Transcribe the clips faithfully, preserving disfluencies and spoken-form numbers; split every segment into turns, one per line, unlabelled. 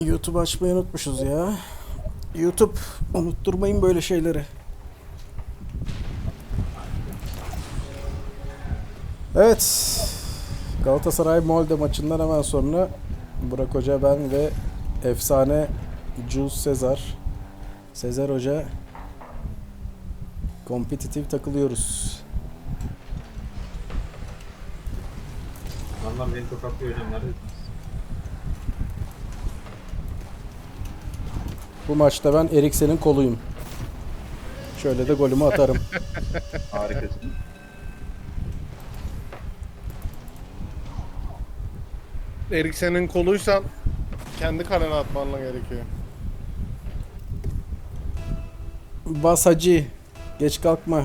YouTube açmayı unutmuşuz ya. YouTube unutturmayın böyle şeyleri. Evet. Galatasaray Molde maçından hemen sonra Burak Hoca, ben ve efsane Jules Sezar. Sezer Hoca kompetitif takılıyoruz.
Adamlar beni tokatlıyor hocam, neredesiniz?
Bu maçta ben Eriksen'in koluyum. Şöyle de golümü atarım.
Harikasın.
Eriksen'in koluysan kendi kalene atmanla gerekiyor.
Bas hacı. Geç kalkma.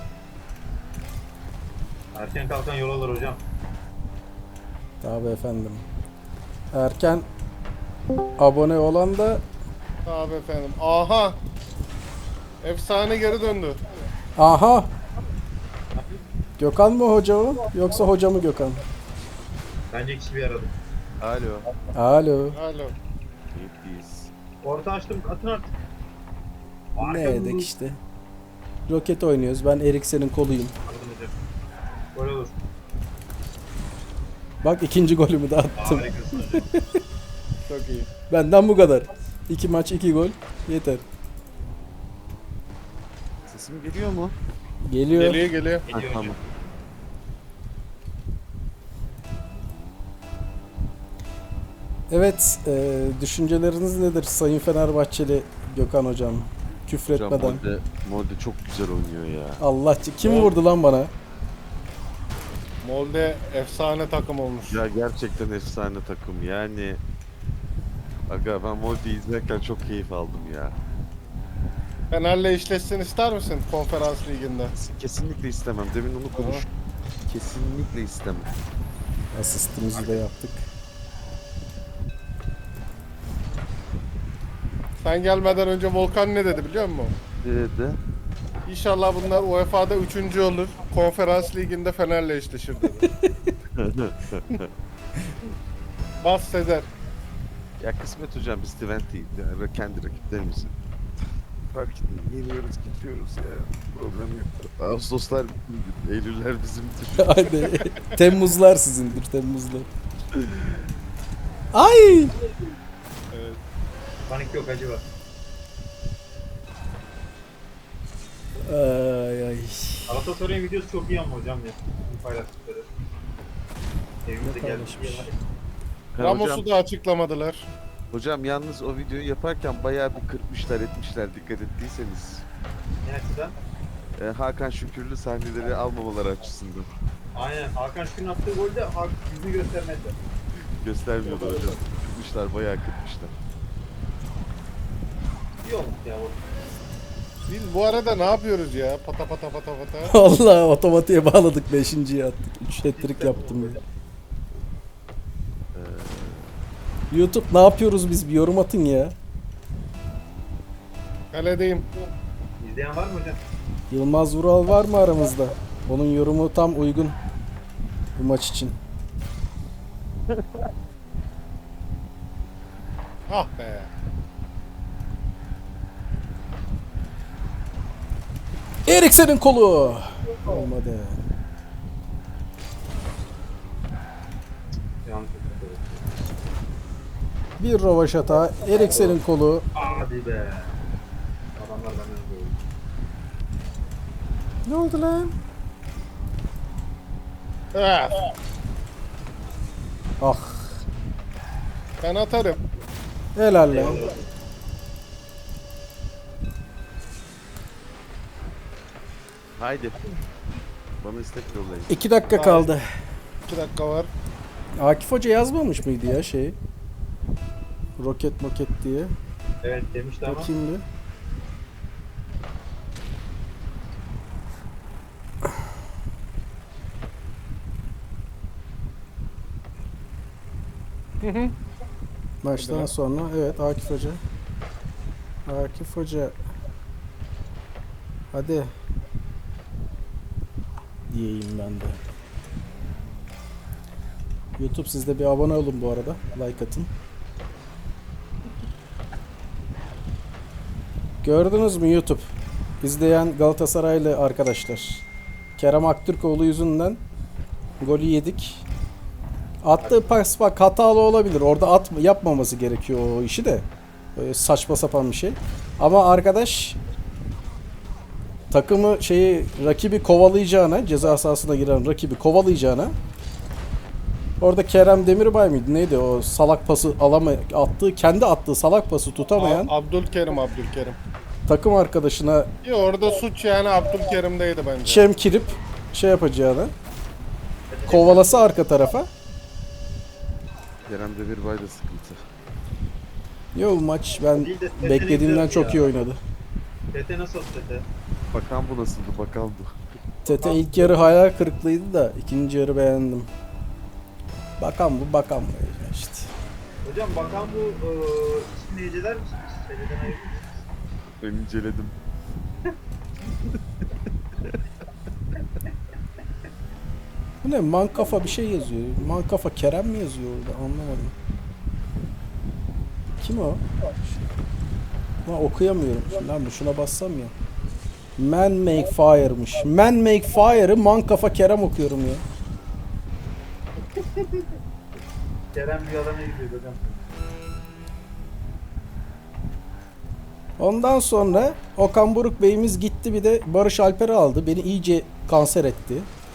Erken kalkan yol alır hocam.
Tabii efendim. Erken abone olan da
Abi efendim. Aha! Efsane geri döndü.
aha. Gökhan mı hoca o? Yoksa hoca mı Gökhan?
Bence ikisi bir arada.
Alo.
Alo.
Alo.
Keyifliyiz.
Orta açtım, atın artık.
Ne
Harika
edek
bu.
işte. Roket oynuyoruz. Ben Eriksen'in koluyum.
Anladım hocam. Gol olur.
Bak ikinci golümü de attım.
Harikasın hocam.
Çok iyi.
Benden bu kadar. İki maç iki gol. Yeter.
Sesim geliyor mu?
Geliyor.
Geliyor geliyor.
Ha,
Geliyor hocam.
tamam.
Evet. E, düşünceleriniz nedir Sayın Fenerbahçeli Gökhan hocam?
Hocam
Küfretmeden.
Molde, Molde çok güzel oynuyor ya.
Allah, kim vurdu lan bana?
Molde efsane takım olmuş.
Ya gerçekten efsane takım yani. Aga ben Molde'yi izlerken çok keyif aldım ya.
Fener'le eşleşsin ister misin konferans liginde?
Kesinlikle istemem. Demin onu konuştuk. Kesinlikle istemem.
Asistimizi de yaptık.
Sen gelmeden önce Volkan ne dedi biliyor musun?
Dedi.
İnşallah bunlar U E F A'da üçüncü olur. Konferans liginde Fener'le eşleşir dedi. Bas Sezer.
Ya kısmet hocam, biz Twente'yiz. Yani kendi rakiplerimizi. Fark etmiyor. Yeniyoruz, gidiyoruz ya. Problem yok. Ağustoslar bizim, Eylüller bizimdir.
Hadi. Temmuzlar sizindir, Temmuzlar. Ay!
Evet.
Panik yok, acı var.
Ay ay.
Galatasaray'ın videosu çok iyi ama hocam ya. Bu paylaştıkları. Evimize gelmiş
paylaşmış?
diye var.
Ha,
Ramos'u
hocam,
da açıklamadılar.
hocam yalnız o videoyu yaparken bayağı bir kırpmışlar etmişler, dikkat ettiyseniz.
Ne açıdan?
Ee, Hakan Şükürlü sahneleri almamaları açısından.
Aynen. Hakan Şükür'ün attığı golde Hakan yüzünü göstermedi.
Göstermiyorlar hocam. Kırpmışlar, bayağı kırpmışlar.
İyi olmuş ya o.
Biz bu arada ne yapıyoruz ya? Pata pata pata pata.
Allah, otomatiğe bağladık, beşinciyi attık. Üç hat-trick yaptım ya.
Ee,
YouTube ne yapıyoruz biz, bir yorum atın ya.
Kaledeyim.
İzleyen var mı hocam?
Yılmaz Vural var mı aramızda? Onun yorumu tam uygun bu maç için.
Ah be.
Eriksen'in kolu. Olmadı.
Yanlış hatırlıyorum.
Bir rovaşata. Eriksen'in kolu.
Hadi be. Adamlar benden böyle.
Ne oldu lan?
Ah,
Ah.
ben atarım.
Helal lan.
haydi. Bana istek yollayın.
İki dakika kaldı.
İki dakika var.
Akif Hoca yazmamış mıydı ya şey? Roket moket diye.
Evet demişti ama.
Bakayım bir.
Hı hı.
Maçtan
Hadi.
sonra evet Akif Hoca. Akif Hoca. Hadi. Diyeyim ben de. YouTube, siz de bir abone olun bu arada. Like atın. Gördünüz mü YouTube? İzleyen Galatasaraylı arkadaşlar. Kerem Aktürkoğlu yüzünden golü yedik. Attığı pas bak hatalı olabilir. Orada at yapmaması gerekiyor o işi de. Böyle saçma sapan bir şey. Ama arkadaş takımı şeyi rakibi kovalayacağına, ceza sahasına giren rakibi kovalayacağına, orada Kerem Demirbay mıydı neydi o salak pası alama attığı kendi attığı salak pası tutamayan
A- Abdülkerim Abdülkerim.
takım arkadaşına
Ya orada suç yani Abdülkerim'deydi bence.
çemkirip şey yapacağına, kovalası arka tarafa.
Kerem Demirbay da sıkıntı.
Yo maç ben
Değil de Tete
beklediğimden
güzeldi
çok
ya.
iyi oynadı.
Tete nasıl Tete?
Bakan bu nasıldı? Bakan bu.
Tete ilk yarı hayal kırıklığıydı da ikinci yarı beğendim. Bakan bu bakan bu işte.
Hocam bakan bu e, ismini heceler misiniz? Heceden ayırır mısınız?
Ben inceledim.
Bu ne mankafa bir şey yazıyor. Mankafa Kerem mi yazıyor orada anlamadım. Kim o? Lan okuyamıyorum. Lan şuna bassam ya. Man make fire'mış. Man make fire'ı mankafa Kerem okuyorum ya.
Kerem bir alana gidiyor hocam.
Ondan sonra Okan Buruk Bey'imiz gitti bir de Barış Alper'i aldı. Beni iyice kanser etti.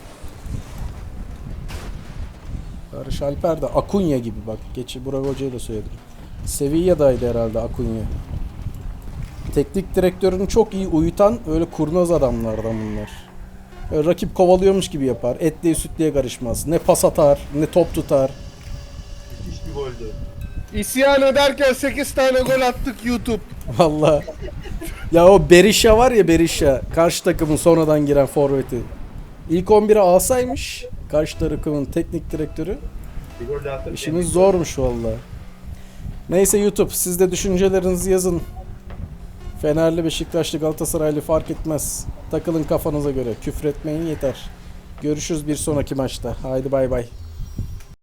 Barış Alper de Akunya gibi bak. Geçi Burak Hoca'ya da söyledim. Sevilla'daydı herhalde Akunya. Teknik direktörünü çok iyi uyutan öyle kurnaz adamlardan bunlar. Öyle rakip kovalıyormuş gibi yapar. Etliye sütlüye karışmaz. Ne pas atar, ne top tutar.
Müthiş bir goldü.
İsyan ederken sekiz tane gol attık YouTube.
Vallahi. Ya o Berisha var ya Berisha. Karşı takımın sonradan giren forveti. İlk on bire alsaymış. Karşı takımın teknik direktörü.
Bir gol daha attık.
İşimiz zormuş vallahi. Neyse YouTube siz de düşüncelerinizi yazın. Fenerli, Beşiktaşlı, Galatasaraylı fark etmez. Takılın kafanıza göre. Küfretmeyin yeter. Görüşürüz bir sonraki maçta. Haydi bay bay.